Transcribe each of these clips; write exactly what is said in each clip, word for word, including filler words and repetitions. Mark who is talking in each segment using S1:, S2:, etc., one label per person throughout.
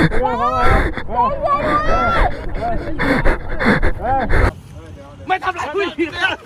S1: ไม่ทำไรผู้หญิงเลย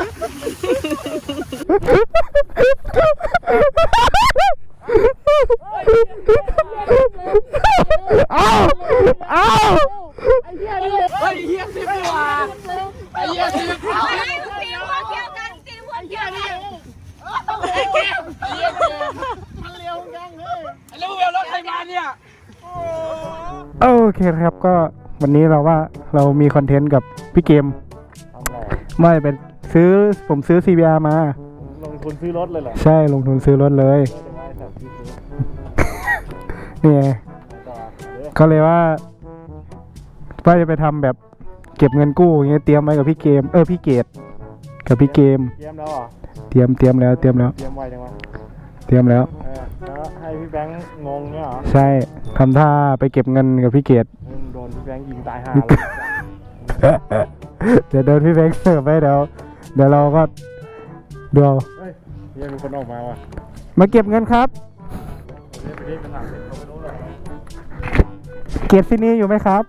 S2: อ้าวอ้าว
S1: ไอ้เหี้ยนี่ไอ้เหี้ยสิบดีกว่าไอ้เหี้ยสิบเอาไอ้สิบหัวเกี่ยวกันสิบหัวเกี่ยวกันไอ้เหี้ยไอ้เหี้ยมันเร็วจังเลยแล้วมึงเอารถใครมาเนี่ย
S2: โอเคครับก็วันนี้เราว่าเรามีคอนเทนต์กับพี่เกมไม่เป็นซื้อผมซื้อ ซี บี อาร์ มา
S3: ลงทุนซื้อรถเลยเหรอ
S2: ใช่ลงทุนซื้อรถเลยนี่ไงก็เลยว่าว่าจะไปทำแบบเก็บเงินกู้อย่างเงี้ยเตรียมไว้กับพี่เกมเออพี่เกดกับพี่เกม
S3: เตรียมแล้วเหรอ
S2: เตรียมเตรียมแล้วเตรียมแล้ว
S3: เตรียมไว้จังวะ
S2: เตรียมแล้ว
S3: แล้วให้พี่แบงค์งงเนี่ยเหรอ
S2: ใช่ทำท่าไปเก็บเงินกับพี่เกด
S3: โดนพี่แบงค์ยิงตายห่าเลย
S2: เดี๋ยวโดนพี่แบงค์เสิร์ฟไปเดี๋ยวเดี๋ยวเราก็ดูเอา
S3: เฮ้ยยังมีคนออกมาว่ะ
S2: มาเก็บเงินครับเก็บที่นี่อยู่ไหมครับ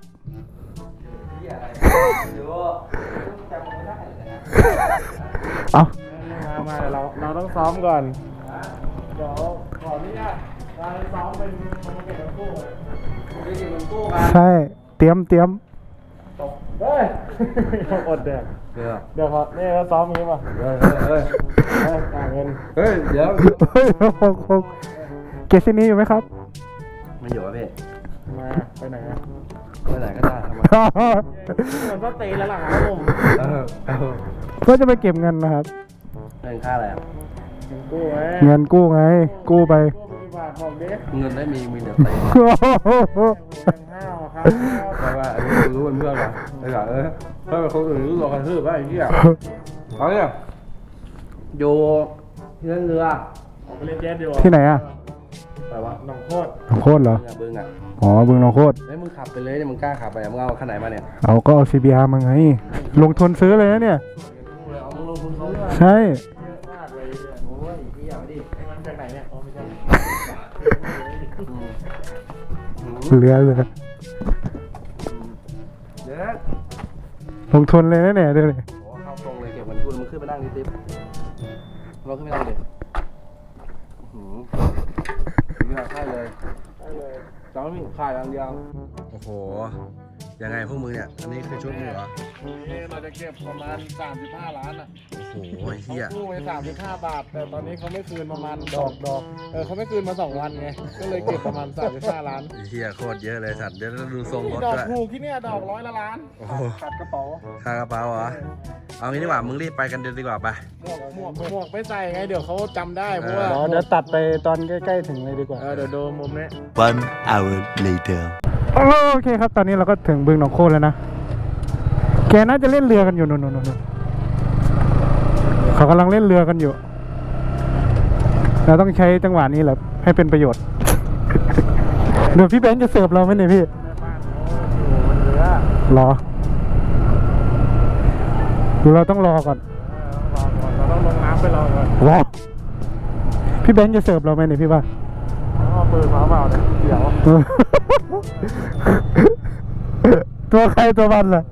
S2: เอา
S3: มามาเดี๋ยวเราเราต้องซ้อมก่อนเดี๋ยวขออนุญาตเราซ้อมเป็นมันเก็บเงินกู้ไปเก็บเงินกู้มา
S2: ใช่เตรียมเตรียม
S3: เฮ้ยอดแดกเดี๋ยวเดี๋ยวครับนี่เราซ้อมงี้ป่ะเฮ้ยเฮ้ยเฮ้ยจ่ายเงินเฮ้ยเดี๋ยว
S2: เฮ้ยเก็บที่นี่อยู่ไหมครับ
S4: ไม่อยู่อะพี่
S3: มาไปไหนอะ
S4: ไปไหนก็ได้ทำไม
S3: มันก็ตีแล้วหลังครับผม
S2: ก็จะไปเก็บเงินนะครับ
S4: เงินค่าอะไรอ่ะ
S3: เงินกู้ไง
S2: เงินกู้ไงกู้ไป
S4: เงินได้มีมีเดี๋ยวไปแต่ว่าอันนี้รู้เป็นเพื่อนกันไอ้ห่าเออเพื่อนคนอื่นรู้ตัวกันทื่อป่ะไอ้เหี้ยเขาเนี่ยอยู่ที่นั่นเรือ
S3: ไปเล่นแจ๊สดีกว่า
S2: ที่ไหนอ่ะ
S4: แต่ว่า
S3: หนองโคตร
S2: หนองโคตรเหรอ
S4: บึงอ่ะ
S2: อ๋อบึงหนองโคตร
S4: เฮ้ยมึงขับไปเลยเนี่ยมึงกล้าขับไปมึงเอาคันไหนมาเนี่ย
S2: เอาก็เอา ซี บี อาร์ มาไงลงทุนซื้อเลยนะเนี่ยใช่เรือเลยลงทุนเลยนะเนี่ยเดี๋ยวเลย
S4: เข้าตรงเลยเก็บเงินกู้มึงขึ้นไปนั่งดิติ๊บเราขึ้นไปนั่งเด็กหืมมีค่ายเลยจองไม่มีค่ายอย่างเดียวโอ้โหยังไงพวกมึงเนี่ยอันนี้คือชุดมึงเหรอ
S3: นี่เราจะเก็บประมาณสามสิบห้าล้านอ่ะ
S4: โอ้โหเฮีย
S3: กู้ไปสามสิบห้าบาทแต่ตอนนี้เขาไม่คืนประมาณดอกดอกเออเขาไม่คืนมาสองวันไงก็เลยเก็บประมาณสามสิบห้าล้าน
S4: เฮียโคตรเยอะเลยสัตว์เดี๋ยวดูทรงรถ
S3: ดอกถูกที่เนี่ยดอกร้อยละล้านขาดกระเป๋า
S4: ขาดกระเป๋าเหรอเอางี้ดีกว่ามึงรีบไปกันเดี๋ยวดีกว่าไป
S3: หมวกหมวกหมวกไม่ใส่ไงเดี๋ยวเขาจำได้เพราะว่า
S2: เดี๋ยวตัดไปตอนใกล้ๆถึงเลยดีกว่า
S3: เดี๋ยวดูมุมนี้
S5: one hour later
S2: โอเคครับตอนนี้เราก็ถึงบึงหนองโคตรแล้วนะแกน่าจะเล่นเรือกันอยู่นู่นๆเขากำลังเล่นเรือกันอยู่เราต้องใช้จังหวะนี้แหละให้เป็นประโยชน์เดี๋ยวพี่แบงค์จะเสิร์ฟเราไหมเนี่ยพี่รอหรือเราต้องรอก่อน
S3: เราต้องลงน้ำไปรอก่อน
S2: รอพี่แบงค์จะเสิร์ฟเราไหมเนี่ยพี่ว่า
S3: เอาปืนมาเปล่าเนี่ยเดี๋ยว
S2: ตัวใครตัวมันล่ะ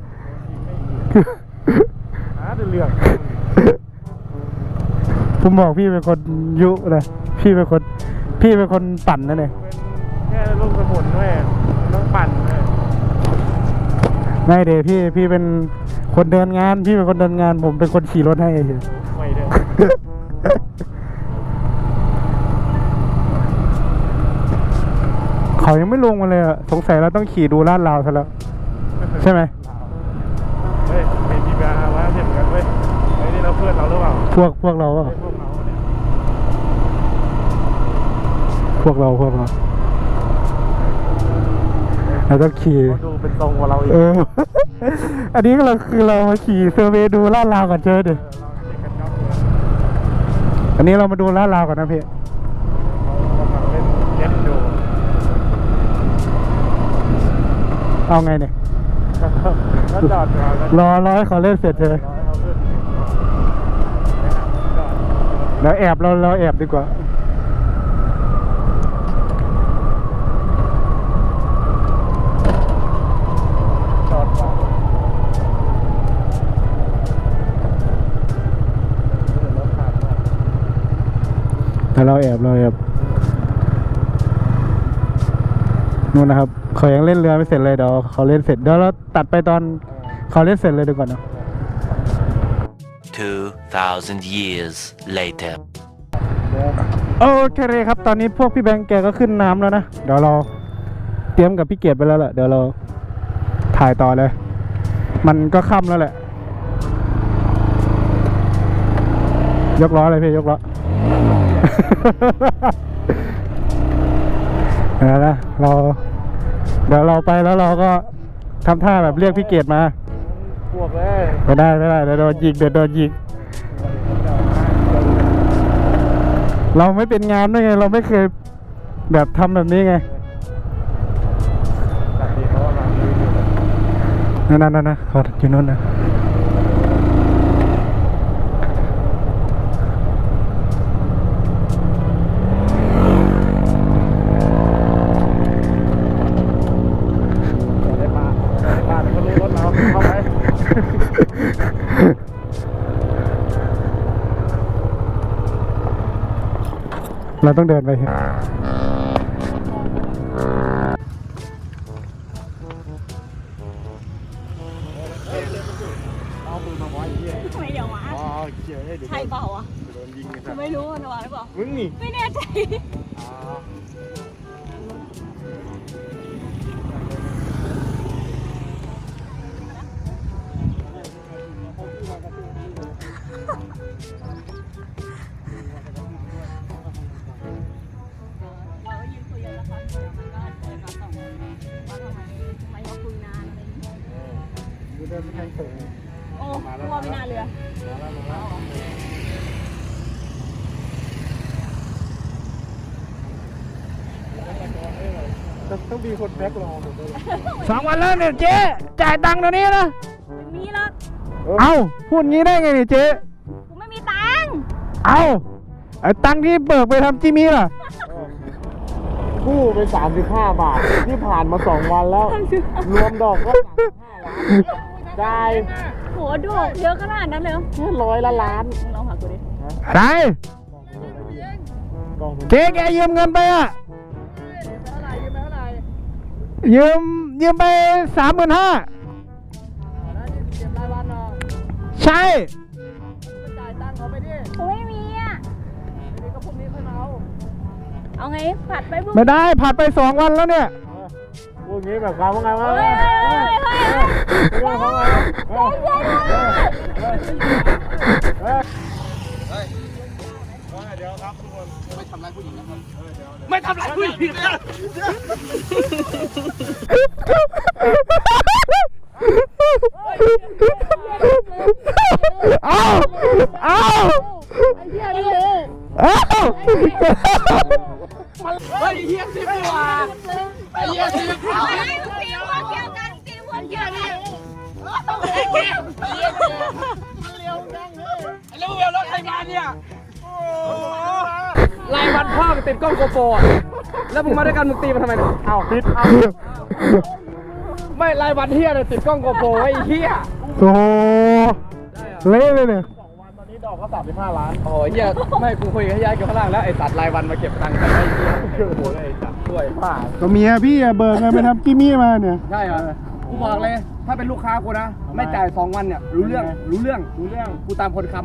S3: หาเรื่อง
S2: ผมบอกพี่เป็นคนยุนะพี่เป็นคนพี่เป็นคนปั่นนั่นเอง
S3: แค่ลูกสมุนด้วยต้องปั่น
S2: ไม่เดี๋ยวพี่พี่เป็นคนเดินงานพี่เป็นคนเดินงานผมเป็นคนขี่รถให้เฉย
S3: ไม่เด้อ
S2: เขายังไม่ลงมาเลยอะสงสัยเราต้องขี่ดูลาดราวซะแล้วใช่ไหม
S3: เฮ้ยมีทีมงานมาเห็นกันเว้ยไอ้นี่เราเพื่อนเราหรือเปล่า
S2: พวกพวกเราเปล่าพวกเราพวกเราเราต้องขี่
S3: ดูเป็นตรงกว่าเราอีก
S2: เอออันนี้เราคือเรามาขี่เซอร์เวย์ดูลาดราวก่อนเจอดิอันนี้เรามาดูลาดราวก่อนนะพี่เอาไงเนี่ยรอรอให้เขาเล่นเสร็จเลยแล้วแอบเราเราแอบดีกว่าเราแอบเราแอบนู่นนะครับเขายังเล่นเรือไม่เสร็จเลยเดี๋ยวเขาเล่นเสร็จเดี๋ยวเราตัดไปตอนเขาเล่นเสร็จเลยดีกว่าเนาะ
S5: Two thousand years later.
S2: โอเคเลยครับตอนนี้พวกพี่แบงค์แกก็ขึ้นน้ำแล้วนะเดี๋ยวเราเตรียมกับพี่เกียรติไปแล้วแหละเดี๋ยวเราถ่ายต่อเลย มันก็ค่ำแล้วแหละยกล้อเลยพี่ยกล้อ เดี๋ยวนะเราเดี๋ยวเราไปแล้วเราก็ทำท่าแบบเรียกพี่เกียรติมา
S3: พวกเลย
S2: ไม่ได้ไม่ได้เดี๋ยวโดนยิงเดี๋ยวโดนยิงเราไม่เป็นงานด้วยไงเราไม่เคยแบบทำแบบนี้ไง
S3: แต่ที่เขากำลังยืนอยู่
S2: นั่นนั่นนั่นนะเขาอยู่นู่นนะ
S3: ได้ปลาได้ปลาแต่ก็รู้รถเราเข้าไป
S2: เราต้องเดินไป
S3: เอาปืนมาไว้เหี้ย
S1: ทำไมเดี๋ยววะ
S3: อ๋อเกี่ยวให้เดี๋ยว
S1: ใช่เปล่าอ่ะ
S3: โดนยิงกัน
S1: กูไม่รู้มันวะหรือเปล่า
S3: มึงนี่
S1: ไม่แน่ใจ เราก็ยืนคุยกันแล้วครับเดี๋ยวมันก็เดินมาส่งว่าทำไมทำไมมาคุยนานอะไรอย่างเงี้ย
S3: กูเดินไปทางสูง
S1: โอ้กลัวไม่น่าเรือ
S3: มาแล้วมาแล้วต้องมีคนแบ็ครอหมดเลย
S2: สองวันแล้วเนี่ยเจ๊จ่ายตังค์เดี๋ยวนี้นะ
S1: ไม่มีหรอก
S2: เอ้าพูดงี้ได้ไงเนี่ยเจ๊
S1: กูไม่มีตังค์
S2: เอ้าไอ้ตังค์ที่เบิกไปทำจิมี่ล่ะ
S3: กู้ไปสามสิบห้าบาทที่ผ่านมาสองวันแล้ว รวมดอกก็สามสิบห้าล้านได้
S1: โหดอกเยอะขนาดนั้นเลยเหรอ
S3: แค่ร้อยละล้าน
S1: มึงลองหากูดิ
S2: อะไร
S3: กองทุน
S2: เจ๊แกยืมเงินไปอ่ะยืมยืมไปสามหมื่นห้าใช่
S1: กูไม่มีอ่ะเอาไงผัดไปบุ้ง
S2: ไม่ได้ผัดไปสองวันแล้วเนี่ย
S3: พูดงี้แบบความว่าไงวะ
S1: เฮ้ยเฮ้ยเฮ้ยเฮ้ย
S3: เรื่องเขาไง
S1: เฮ้ยเฮ้ยเฮ้ย
S3: เฮ้ยเฮ้ยเดี๋ยวครับทุกคนไม่ทำร้ายผู้หญิงนะครับไม่ทำร้ายผู้หญิงนะ
S2: เอาเอา
S1: ไอ้เหี้ยนี่เลย
S2: เอา
S3: เฮ้ยเฮียสิบดีกว่าไอ้เฮียสิบ
S1: เอาไงมึงตีหัวเกี่ยวกันตีหัวเกี่ยวกัน
S3: ไอ้เฮียเฮียมันเร็วจังเลยไอ้เร็วเร็วรถใครมาเนี่ยรายวันพ่อติดกล้องโกโปรแล้วมึงมาด้วยกันมึงตีมันทำไมเนี่ยเอาติดเอาไม่รายวันเฮียเลยติดกล้องโกโปรไอ้เฮีย
S2: โอ้เละเลยเนี่ย
S3: สองวันตอนนี้ดอกก็สามสิบห้าล้าน
S4: โอ้ยเฮียไม่กูคุยกับยายอยู่ข้างล่างแล้วไอ้ตัดรายวันมาเก็บตังค์กันไอ้เฮียโอ้โหไอ้ตัดช่วยป้า
S2: ก็เมียพี่อะเบิกเงินไปทำจิมี่มาเนี่ย
S4: ใช่เหรอกูบอกเลย ถ้าเป็นลูกค้ากูนะ ไม่จ่ายสองวันเนี่ยรู้เรื่องรู้เรื่อง
S3: รู้เรื่อง
S4: กูตามคนคำ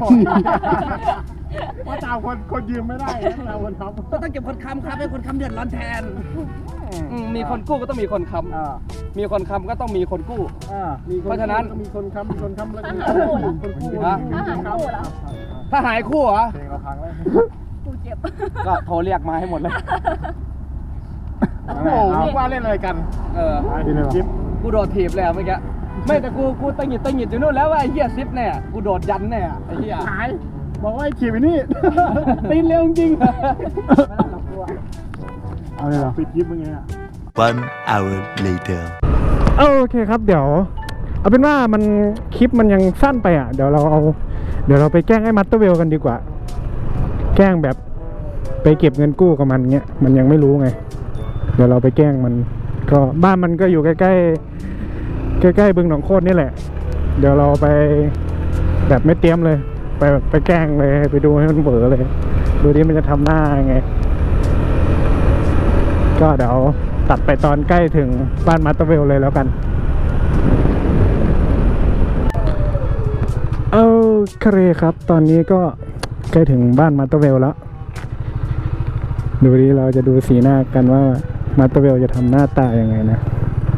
S3: ว่าตามคนคนยืมไม่ได้นะตามคนครับ
S4: ก็ต้องเก็บคนคำครับให้คนคำเดือดร้อนแทนอืมมีคนกู้ก็ต้องมีคนค
S3: อ่า
S4: ำมีคนคำก็ต้องมีคนกู้
S3: อ่ามีค
S4: เพราะฉะนั้น
S3: ก็มีคนค้ำมีคนค้ำแล้วก็มี
S1: ถ้าหาคู่
S3: คนกู้
S4: ฮะ
S1: ถ้าหาคู่เหรอ
S4: ถ้าหายคู่เหรอ
S3: เพลงเราพังแล้ว
S1: กูเจ็บ
S4: ก็โทรเรียกมาให้หมดเลย
S3: โอ้โหว่าเล่นอะไรกัน
S4: เออ
S3: จิ๊บ
S4: กูโดดถีบเลยอะเมื่อกี้ไม่แต่กูกูตังหงิดตังหงิดอยู่นู่นแล้วว่าไอ้เหี้ยซิปเนี่ยกูโดดยันเนี่ยไอ้เหี้ย
S3: หายบอกว่าไอ้ขี่ไปนี่ตีนเร็วจริงเอาเลยเหรอปิดยิบมึงไงอ่ะ
S5: One hour later.
S2: โอเคครับเดี๋ยว เอาเป็นว่ามันคลิปมันยังสั้นไปอ่ะเดี๋ยวเราเอาเดี๋ยวเราไปแกล้งไอ้มัตเตอร์เวลกันดีกว่า แกล้งแบบไปเก็บเงินกู้กับมันเงี้ยมันยังไม่รู้ไง เดี๋ยวเราไปแกล้งมัน ก็บ้านมันก็อยู่ใกล้ๆใกล้ๆบึงหนองโคตรนี่แหละ เดี๋ยวเราไปแบบไม่เตรียมเลย ไปไปแกล้งเลยไปดูให้มันเบอเลยดูดิมันจะทำหน้ายังไง ก็เดี๋ยวตัดไปตอนใกล้ถึงบ้านมาสเตอร์เวลเลยแล้วกันโอเคครับ ตอนนี้ก็ใกล้ถึงบ้านมาสเตอร์เวลแล้ว ดูดิเราจะดูสีหน้ากันว่ามาสเตอร์เวลจะทำหน้าตายังไงนะ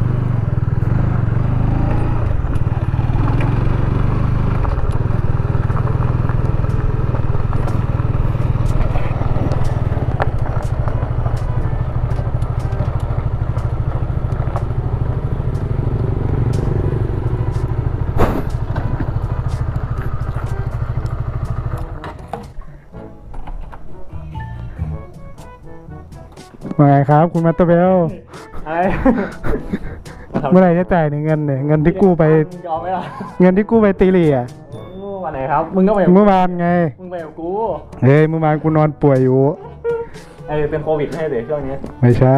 S2: ว่าไงครับคุณมาสเตอร์เวล
S3: อะไร
S2: เมื่อไหร่จะจ่ายเนี่ยเงินเนี่ยเงินที่กู้ไป
S3: ยอมไหมล่ะ
S2: เงินที่กู้ไปตีเหลี่ย
S3: โอ้วันไหนครับ มึงก็ไปกับ
S2: เมื่อวานไง
S3: มึงไปกับกู
S2: เฮ้ยเมื่อวานกูนอนป่วยอยู่
S3: ไอ้เป็นโควิดให้เด็กช่วงนี้
S2: ไม่ใช่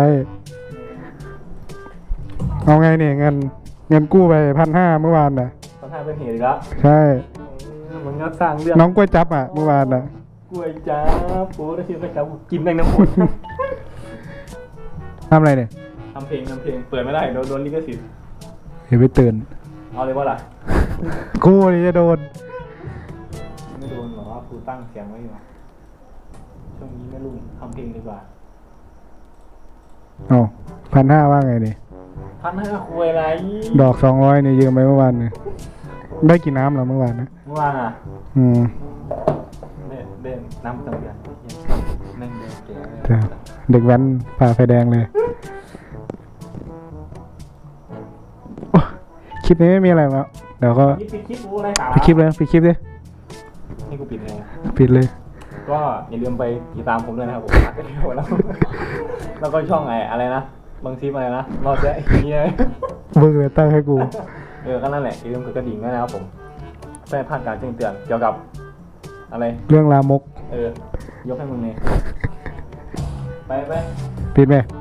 S2: เอาไงเนี่ยเงินเงินกู้ไปพันห้าเมื่อวานน่ะ
S3: ตอนท้ายเป็นเหตุอีกแล้ว
S2: ใช่
S3: มึงก็สร้างเรื่อง
S2: น้องกล้วยจับอ่ะเมื่อวานน่ะ
S3: กล้วยจ้าปูได้ชิมกล้วยจ้ากูกินแม่งน้ำหมด
S2: ทำอะไรเนี่ย
S3: ทำเพลงทำเพลงเปิดไม่ได้โดนโดนลิขสิทธิ์
S2: เดี๋ยวไปตื่น
S3: เอาเลยว่าล่ะ
S2: กูนี่จะโดน
S3: ไม่โดนหรอกูตั้งเสียงไว้อยู่ช่วงนี้ไม่รุ่งทำเพลงดีกว่า
S2: เอาพันห้าว่าไงนี่
S3: พันห้าคุยอะไร
S2: ดอกสองร้อยนี่ยืมไปเมื่อวานเนี่ยได้กี่น้ำเหรอเมื่อวานนะ
S3: เมื่อวานอ่ะ
S2: อืม
S3: เล่นเล่นน้ำตังเดือนนั่งเดินเก๋
S2: จ้ะเด็กแว้นผ่าไฟแดงเลยโอ้คลิปนี้ไม่มีอะไรแล้วเดี๋ยวก็
S3: คลิปปิดคลิปกูอะไรสาระ
S2: ปิดคลิปเลยปิดคลิปดิ
S3: นี่กูปิดไง
S2: ปิดเลย
S3: ก็อย่าลืมไปติดตามผมด้วยนะครับผมอัดไปเร็วแล้ว แล้วก็ช่องไอ้อะไรนะบางทีอะไรนะรอดจะไอ้เหี้ย
S2: มึงเลยตั้งให้กู
S3: เออก็นั่นแหละอย่าลืมกดกระดิ่งด้วยนะครับผมเพื่อให้พลาดการแจ้งเตือนเกี่ยวกับอะไร
S2: เรื่องลามก
S3: เออยกให้มึงเลยไปไป
S2: ปิดไหม
S3: ไ